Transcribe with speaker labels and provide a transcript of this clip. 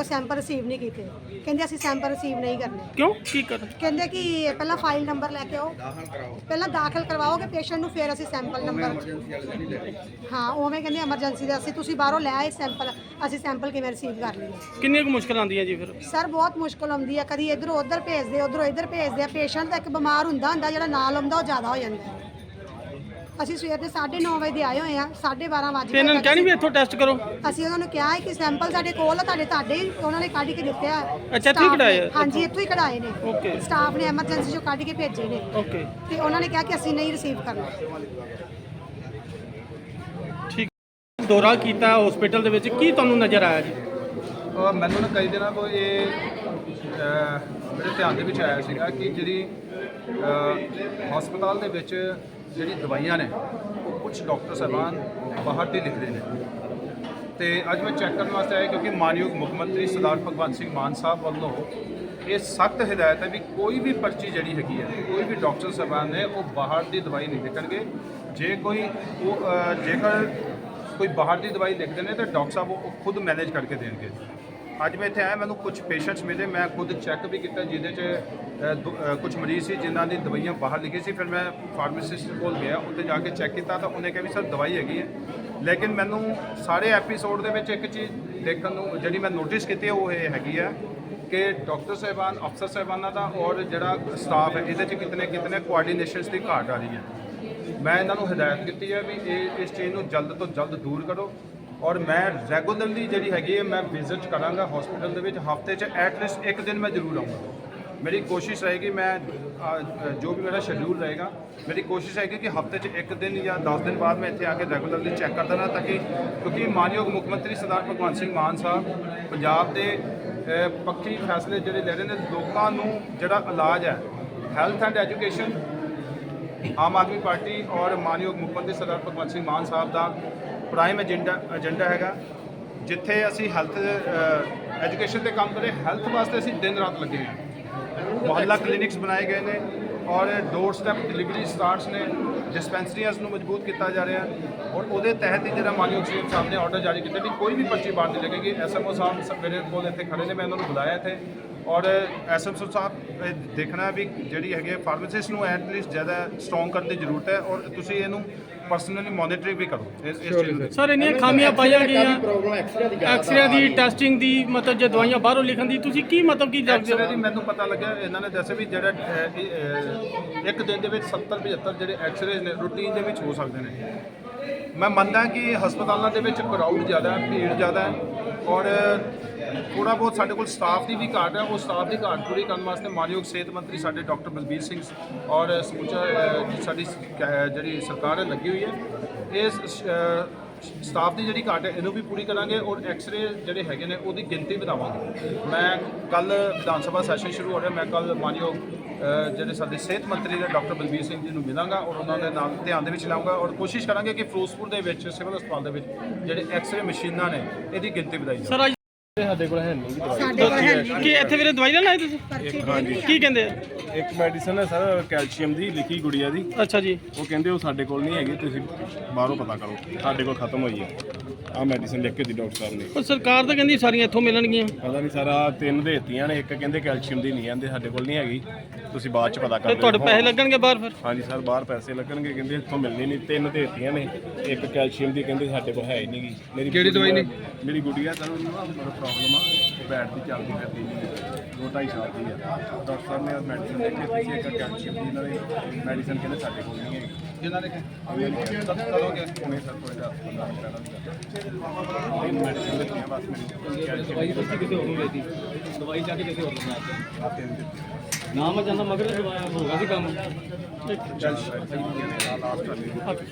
Speaker 1: Sample receive ਨਹੀਂ ਕੀਤੇ। ਕਹਿੰਦੇ ਅਸੀਂ ਸੈਂਪਲ ਰਿਸੀਵ ਨਹੀਂ ਕਰਨੇ।
Speaker 2: ਕਿਉਂ ਕੀ ਕਰ
Speaker 1: ਕਹਿੰਦੇ ਕਿ ਪਹਿਲਾਂ ਫਾਈਲ ਨੰਬਰ ਲੈ ਕੇ ਆਓ, ਪਹਿਲਾਂ ਦਾਖਲ ਕਰਵਾਓਗੇ ਪੇਸ਼ੈਂਟ ਨੂੰ, ਫਿਰ ਅਸੀਂ ਸੈਂਪਲ ਨੰਬਰ ਹਾਂ ਉਵੇਂ ਕਹਿੰਦੇ ਐਮਰਜੈਂਸੀ ਦੇ ਅਸੀਂ ਤੁਸੀਂ ਬਾਹਰੋਂ ਲੈ ਆਏ ਸੈਂਪਲ, ਅਸੀਂ ਸੈਂਪਲ ਕਿਵੇਂ ਰਿਸੀਵ ਕਰ ਲਈਏ।
Speaker 2: ਕਿੰਨੀ ਕੁ ਮੁਸ਼ਕਲ ਆਉਂਦੀ ਹੈ ਜੀ ਫਿਰ?
Speaker 1: ਸਰ ਬਹੁਤ ਮੁਸ਼ਕਲ ਆਉਂਦੀ ਹੈ, ਕਦੀ ਇੱਧਰੋਂ ਉੱਧਰ ਭੇਜਦੇ, ਉੱਧਰੋਂ ਇੱਧਰ ਭੇਜਦੇ ਆ। ਪੇਸ਼ੈਂਟ ਤਾਂ ਇੱਕ ਬਿਮਾਰ ਹੁੰਦਾ ਜਿਹੜਾ ਨਾਲ ਆਉਂਦਾ ਉਹ ਜ਼ਿਆਦਾ ਹੋ ਜਾਂਦਾ। ਅਸੀਂ ਸਵੇਰ ਦੇ 9:30 ਵਜੇ ਦੇ ਆਏ ਹੋਏ ਆ, 12:30 ਵਜੇ
Speaker 2: ਤੇ ਇਹਨਾਂ ਨੂੰ ਕਹਿਣੀ ਵੀ ਇੱਥੋਂ ਟੈਸਟ ਕਰੋ।
Speaker 1: ਅਸੀਂ ਉਹਨਾਂ ਨੂੰ ਕਿਹਾ ਹੈ ਕਿ ਸੈਂਪਲ ਸਾਡੇ ਕੋਲ ਆ, ਤੁਹਾਡੇ ਹੀ ਉਹਨਾਂ ਨੇ ਕੱਢ ਕੇ ਦਿੱਤੇ ਆ।
Speaker 2: ਅੱਛਾ, ਇੱਥੋਂ ਹੀ ਕਢਾਏ ਆ?
Speaker 1: ਹਾਂਜੀ ਇੱਥੋਂ ਹੀ ਕਢਾਏ ਨੇ।
Speaker 2: ਓਕੇ।
Speaker 1: ਸਟਾਫ ਨੇ ਐਮਰਜੈਂਸੀ ਚੋਂ ਕੱਢ ਕੇ ਭੇਜੇ ਨੇ।
Speaker 2: ਓਕੇ।
Speaker 1: ਤੇ ਉਹਨਾਂ ਨੇ ਕਿਹਾ ਕਿ ਅਸੀਂ ਨਹੀਂ ਰਿਸੀਵ ਕਰਨਾ।
Speaker 2: ਠੀਕ। ਦੌਰਾ ਕੀਤਾ ਹਸਪੀਟਲ ਦੇ ਵਿੱਚ, ਕੀ ਤੁਹਾਨੂੰ ਨਜ਼ਰ ਆਇਆ ਜੀ?
Speaker 3: ਮੈਨੂੰ ਨਾ ਕਈ ਦਿਨਾਂ ਤੋਂ ਇਹ ਮੇਰੇ ਧਿਆਨ ਦੇ ਵਿੱਚ ਆਇਆ ਸੀਗਾ ਕਿ ਜਿਹੜੀ ਹਸਪਤਾਲ ਦੇ ਵਿੱਚ ਜਿਹੜੀ ਦਵਾਈਆਂ ਨੇ ਉਹ ਕੁਝ ਡਾਕਟਰ ਸਾਹਿਬਾਨ ਬਾਹਰ ਦੀ ਲਿਖਦੇ ਨੇ। ਤੇ ਅੱਜ ਮੈਂ ਚੈੱਕ ਕਰਨ ਵਾਸਤੇ ਆਇਆ ਕਿਉਂਕਿ ਮਾਨਯੋਗ ਮੁੱਖ ਮੰਤਰੀ ਸਰਦਾਰ ਭਗਵੰਤ ਸਿੰਘ ਮਾਨ ਸਾਹਿਬ ਵੱਲੋਂ ਇਹ ਸਖਤ ਹਦਾਇਤ ਹੈ ਵੀ ਕੋਈ ਵੀ ਪਰਚੀ ਜਿਹੜੀ ਹੈਗੀ ਹੈ, ਕੋਈ ਵੀ ਡਾਕਟਰ ਸਾਹਿਬਾਨ ਨੇ ਉਹ ਬਾਹਰ ਦੀ ਦਵਾਈ ਨਹੀਂ ਲਿਖਣਗੇ। ਜੇਕਰ ਕੋਈ ਬਾਹਰ ਦੀ ਦਵਾਈ ਲਿਖਦੇ ਨੇ ਤਾਂ ਡਾਕਟਰ ਸਾਹਿਬ ਉਹ ਖੁਦ ਮੈਨੇਜ ਕਰਕੇ ਦੇਣਗੇ। ਅੱਜ ਮੈਂ ਇੱਥੇ ਆਇਆ, ਮੈਨੂੰ ਕੁਝ ਪੇਸ਼ੈਂਟਸ ਮਿਲੇ, ਮੈਂ ਖੁਦ ਚੈੱਕ ਵੀ ਕੀਤਾ ਜਿਹਦੇ 'ਚ ਕੁਝ ਮਰੀਜ਼ ਸੀ ਜਿਨ੍ਹਾਂ ਦੀ ਦਵਾਈਆਂ ਬਾਹਰ ਲਿਖੀ ਸੀ। ਫਿਰ ਮੈਂ ਫਾਰਮਾਸਿਸਟ ਕੋਲ ਗਿਆ, ਉੱਥੇ ਜਾ ਕੇ ਚੈੱਕ ਕੀਤਾ ਤਾਂ ਉਹਨੇ ਕਿਹਾ ਵੀ ਸਰ ਦਵਾਈ ਹੈਗੀ ਹੈ। ਲੇਕਿਨ ਮੈਨੂੰ ਸਾਰੇ ਐਪੀਸੋਡ ਦੇ ਵਿੱਚ ਇੱਕ ਚੀਜ਼ ਦੇਖਣ ਨੂੰ ਜਿਹੜੀ ਮੈਂ ਨੋਟਿਸ ਕੀਤੀ ਉਹ ਇਹ ਹੈਗੀ ਹੈ ਕਿ ਡਾਕਟਰ ਸਾਹਿਬਾਨ, ਅਫਸਰ ਸਾਹਿਬਾਨਾਂ ਦਾ ਔਰ ਜਿਹੜਾ ਸਟਾਫ ਹੈ ਇਹਦੇ 'ਚ ਕਿਤਨੇ ਕੋਆਰਡੀਨੇਸ਼ਨਸ ਦੀ ਘਾਟ ਆ ਰਹੀ ਹੈ। ਮੈਂ ਇਹਨਾਂ ਨੂੰ ਹਦਾਇਤ ਕੀਤੀ ਹੈ ਵੀ ਇਸ ਚੀਜ਼ ਨੂੰ ਜਲਦ ਤੋਂ ਜਲਦ ਦੂਰ ਕਰੋ। ਔਰ ਮੈਂ ਰੈਗੂਲਰਲੀ ਜਿਹੜੀ ਹੈਗੀ ਹੈ ਮੈਂ ਵਿਜ਼ਿਟ ਕਰਾਂਗਾ ਹਸਪੀਟਲ ਦੇ ਵਿੱਚ। ਹਫਤੇ 'ਚ ਐਟਲੀਸਟ ਇੱਕ ਦਿਨ ਮੈਂ ਜ਼ਰੂਰ ਆਊਂਗਾ। ਮੇਰੀ ਕੋਸ਼ਿਸ਼ ਰਹੇਗੀ, ਮੈਂ ਜੋ ਵੀ ਮੇਰਾ ਸ਼ੈਡਿਊਲ ਰਹੇਗਾ, ਮੇਰੀ ਕੋਸ਼ਿਸ਼ ਹੈਗੀ ਕਿ ਹਫਤੇ 'ਚ ਇੱਕ ਦਿਨ ਜਾਂ 10 ਦਿਨ ਬਾਅਦ ਮੈਂ ਇੱਥੇ ਆ ਕੇ ਰੈਗੂਲਰਲੀ ਚੈੱਕ ਕਰਦਾ ਰਹਾਂ, ਤਾਂ ਕਿ ਕਿਉਂਕਿ ਮਾਨਯੋਗ ਮੁੱਖ ਮੰਤਰੀ ਸਰਦਾਰ ਭਗਵੰਤ ਸਿੰਘ ਮਾਨ ਸਾਹਿਬ ਪੰਜਾਬ ਦੇ ਪੱਖੀ ਫੈਸਲੇ ਜਿਹੜੇ ਲੈ ਰਹੇ ਨੇ। ਲੋਕਾਂ ਨੂੰ ਜਿਹੜਾ ਇਲਾਜ ਹੈ, health and education, Aam Aadmi Party ਔਰ ਮਾਨਯੋਗ ਮੁੱਖ ਮੰਤਰੀ ਸਰਦਾਰ ਭਗਵੰਤ ਸਿੰਘ ਮਾਨ ਸਾਹਿਬ ਦਾ ਪ੍ਰਾਈਮ ਏਜੰਡਾ ਹੈਗਾ। ਜਿੱਥੇ ਅਸੀਂ ਹੈਲਥ ਐਜੂਕੇਸ਼ਨ ਤੇ ਕੰਮ ਕਰੇ, ਹੈਲਥ ਵਾਸਤੇ ਅਸੀਂ ਦਿਨ ਰਾਤ ਲੱਗੇ ਹਾਂ। ਮੁਹੱਲਾ ਕਲੀਨਿਕਸ ਬਣਾਏ ਗਏ ਨੇ ਔਰ ਡੋਰ ਸਟੈਪ ਡਿਲੀਵਰੀ ਸਟਾਰਟਸ ਨੇ। ਡਿਸਪੈਂਸਰੀਜ਼ ਨੂੰ ਮਜ਼ਬੂਤ ਕੀਤਾ ਜਾ ਰਿਹਾ ਔਰ ਉਹਦੇ ਤਹਿਤ ਹੀ ਜਿਹੜਾ ਮਾਨਯੋਗ ਸੀਐਮ ਸਾਹਿਬ ਨੇ ਆਰਡਰ ਜਾਰੀ ਕੀਤਾ ਵੀ ਕੋਈ ਵੀ ਪਰਚੀ ਬਾਹਰ ਨਹੀਂ ਲੱਗੇਗੀ। ਐਸਐਮਓ ਸਾਹਿਬ ਮੇਰੇ ਕੋਲ ਇੱਥੇ ਖੜੇ ਨੇ, ਮੈਂ ਉਹਨਾਂ ਨੂੰ ਬੁਲਾਇਆ ਇੱਥੇ ਔਰ ਐਸਐਮਓ ਸਾਹਿਬ ਦੇਖਣਾ ਵੀ ਜਿਹੜੀ ਹੈਗੀ ਫਾਰਮਾਸਿਸਟ ਨੂੰ ਐਟਲੀਸਟ ਜ਼ਿਆਦਾ ਸਟਰੋਂਗ ਕਰਨ ਦੀ ਜ਼ਰੂਰਤ ਹੈ ਔਰ ਤੁਸੀਂ ਇਹਨੂੰ ਪਰਸਨਲੀ ਮੋਨੀਟਰਿੰਗ ਵੀ ਕਰੋ ਇਸ ਚੀਜ਼ ਨੂੰ।
Speaker 2: ਸਰ ਇੰਨੀਆਂ ਖਾਮੀਆਂ ਪਾਈਆਂ ਗਈਆਂ ਐਕਸਰੇ ਦੀ, ਟੈਸਟਿੰਗ ਦੀ, ਮਤਲਬ ਜੇ ਦਵਾਈਆਂ ਬਾਹਰੋਂ ਲਿਖਣ ਦੀ, ਤੁਸੀਂ ਕੀ ਮਤਲਬ ਕੀ ਜਾਣਦੇ ਹੋ?
Speaker 3: ਐਕਸਰੇ ਦੀ ਮੈਨੂੰ ਪਤਾ ਲੱਗਿਆ, ਇਹਨਾਂ ਨੇ ਦੱਸਿਆ ਵੀ ਜਿਹੜਾ ਇੱਕ ਦਿਨ ਦੇ ਵਿੱਚ 70-75 ਜਿਹੜੇ ਐਕਸਰੇ ਨੇ ਰੂਟੀਨ ਦੇ ਵਿੱਚ ਹੋ ਸਕਦੇ ਨੇ। ਮੈਂ ਮੰਨਦਾ ਕਿ ਹਸਪਤਾਲਾਂ ਦੇ ਵਿੱਚ ਕਰਾਊਡ ਜ਼ਿਆਦਾ ਹੈ, ਭੀੜ ਜ਼ਿਆਦਾ ਹੈ ਔਰ ਥੋੜ੍ਹਾ ਬਹੁਤ ਸਾਡੇ ਕੋਲ ਸਟਾਫ ਦੀ ਵੀ ਘਾਟ ਹੈ। ਉਹ ਸਟਾਫ ਦੀ ਘਾਟ ਪੂਰੀ ਕਰਨ ਵਾਸਤੇ ਮਾਨਯੋਗ ਸਿਹਤ ਮੰਤਰੀ ਸਾਡੇ ਡਾਕਟਰ ਬਲਬੀਰ ਸਿੰਘ ਔਰ ਸਮੁੱਚਾ ਸਾਡੀ ਜਿਹੜੀ ਸਰਕਾਰ ਹੈ ਲੱਗੀ ਹੋਈ ਹੈ। ਇਸ ਸਟਾਫ ਦੀ ਜਿਹੜੀ ਘਾਟ ਹੈ ਇਹਨੂੰ ਵੀ ਪੂਰੀ ਕਰਾਂਗੇ ਔਰ ਐਕਸਰੇ ਜਿਹੜੇ ਹੈਗੇ ਨੇ ਉਹਦੀ ਗਿਣਤੀ ਵਧਾਵਾਂਗੇ। ਮੈਂ ਕੱਲ ਵਿਧਾਨ ਸਭਾ ਸੈਸ਼ਨ ਸ਼ੁਰੂ ਹੋ ਰਿਹਾ, ਮੈਂ ਕੱਲ ਮਾਨਯੋਗ ਜਿਹੜੇ ਸਾਡੇ ਸਿਹਤ ਮੰਤਰੀ ਨੇ ਡਾਕਟਰ ਬਲਬੀਰ ਸਿੰਘ ਜੀ ਨੂੰ ਮਿਲਾਂਗਾ ਔਰ ਉਹਨਾਂ ਦੇ ਨਾਲ ਧਿਆਨ ਦੇ ਵਿੱਚ ਲਾਊਂਗਾ ਔਰ ਕੋਸ਼ਿਸ਼ ਕਰਾਂਗੇ ਕਿ ਫਿਰੋਜ਼ਪੁਰ ਦੇ ਵਿੱਚ ਸਿਵਲ ਹਸਪਤਾਲ ਦੇ ਵਿੱਚ ਜਿਹੜੇ ਐਕਸਰੇ ਮਸ਼ੀਨਾਂ ਨੇ ਇਹਦੀ ਗਿਣਤੀ ਵਧਾਈ ਜਾਵੇ।
Speaker 4: ਸਾਡੇ ਕੋਲ ਹੈ ਨਹੀਂ ਦਵਾਈ।
Speaker 1: ਸਾਡੇ ਕੋਲ ਹੈ ਨਹੀਂ।
Speaker 2: ਕੀ ਇੱਥੇ ਵੀਰੇ ਦਵਾਈ ਲੈਣ ਆਏ ਤੁਸੀਂ? ਕੀ ਕਹਿੰਦੇ ਆ?
Speaker 4: ਇੱਕ ਮੈਡੀਸਨ ਹੈ ਸਰ ਕੈਲਸ਼ੀਅਮ ਦੀ ਲਿਖੀ ਗੁੜੀਆ ਦੀ।
Speaker 2: ਅੱਛਾ ਜੀ।
Speaker 4: ਉਹ ਕਹਿੰਦੇ ਉਹ ਸਾਡੇ ਕੋਲ ਨਹੀਂ ਹੈਗੀ, ਤੁਸੀਂ ਬਾਹਰੋਂ ਪਤਾ ਕਰੋ, ਸਾਡੇ ਕੋਲ ਖਤਮ ਹੋਈ ਹੈ। ਆਹ ਮੈਡੀਸਨ ਲਿਖ ਕੇ ਦੀ ਡਾਕਟਰ ਸਾਹਿਬ ਨੇ।
Speaker 2: ਪਰ ਸਰਕਾਰ ਤਾਂ ਕਹਿੰਦੀ ਸਾਰੀਆਂ ਇੱਥੋਂ ਮਿਲਣਗੀਆਂ।
Speaker 4: ਪਤਾ ਨਹੀਂ ਸਾਰਾ 3 ਦੇਤੀਆਂ ਨੇ, ਇੱਕ ਕਹਿੰਦੇ ਕੈਲਸ਼ੀਅਮ ਦੀ ਨਹੀਂ ਆਂਦੇ, ਸਾਡੇ ਕੋਲ ਨਹੀਂ ਹੈਗੀ, ਤੁਸੀਂ ਬਾਅਦ ਚ ਪਤਾ ਕਰ
Speaker 2: ਤੇ
Speaker 4: ਲਿਓ।
Speaker 2: ਤੁਹਾਡੇ ਪੈਸੇ ਲੱਗਣਗੇ ਬਾਹਰ ਫਿਰ?
Speaker 4: ਹਾਂਜੀ ਸਰ, ਬਾਹਰ ਪੈਸੇ ਲੱਗਣਗੇ, ਕਹਿੰਦੇ ਇੱਥੋਂ ਮਿਲਣੀ ਨਹੀਂ। 3 ਦੇਤੀਆਂ ਨੇ, ਇੱਕ ਕੈਲਸ਼ੀਅਮ ਦੀ ਕਹਿੰਦੇ ਸਾਡੇ ਕੋਲ ਹੈ ਹੀ ਨਹੀਂਗੀ। ਮੇਰੀ ਕਿਹੜੀ ਦਵਾਈ ਨੇ? ਮੇਰੀ ਗੁੜੀਆ ਸਰ, ਉਹਨੂੰ ਨਾ ਪ੍ਰੋਬਲਮ ਆ, ਬੈਠ ਦੀ ਚੱਲਦੀ ਫਿਰਦੀ ਨਹੀਂ, 2-2.5 ਸਾਲ ਦੀ ਆ। ਡਾਕਟਰ ਸਾਹਿਬ ਨੇ ਮੈਡੀਸਨ ਲਿਖ ਕੇ ਤੁਸੀਂ ਇੱਕ ਕੈਲਸ਼ੀਅਮ ਦੀ ਇਹਨਾਂ ਦੀ ਮੈਡੀਸਨ ਕਹਿੰਦੇ ਸਾਡੇ ਕੋਲ ਨਹੀਂ ਹੈਗੀ। ਜਿਨ੍ਹਾਂ ਨੇ ਕਦੋਂ ਕਿ ਹੁਣੇ ਸਰ ਕੋਈ 10-15 ਮਿੰਟ ਪਹਿਲਾਂ ਦੀ ਮੈਡੀਸਨ ਦਿੱਤੀਆਂ ਬਸ। ਮੇਰੀ ਦਵਾਈ ਕਿਸੇ ਹੋਰ ਨੂੰ ਦੇਤੀ, ਦਵਾਈ ਜਾ ਕੇ ਕਿਸੇ ਹੋਰ ਨੂੰ ਆ 3 ਦਿਨ ਨਾ ਮੈਂ ਜਾਂਦਾ ਮਗਰ ਦਵਾਈ ਹੋਗਾ ਸੀ ਕੰਮ। ਚੱਲ ਲਾਸਟ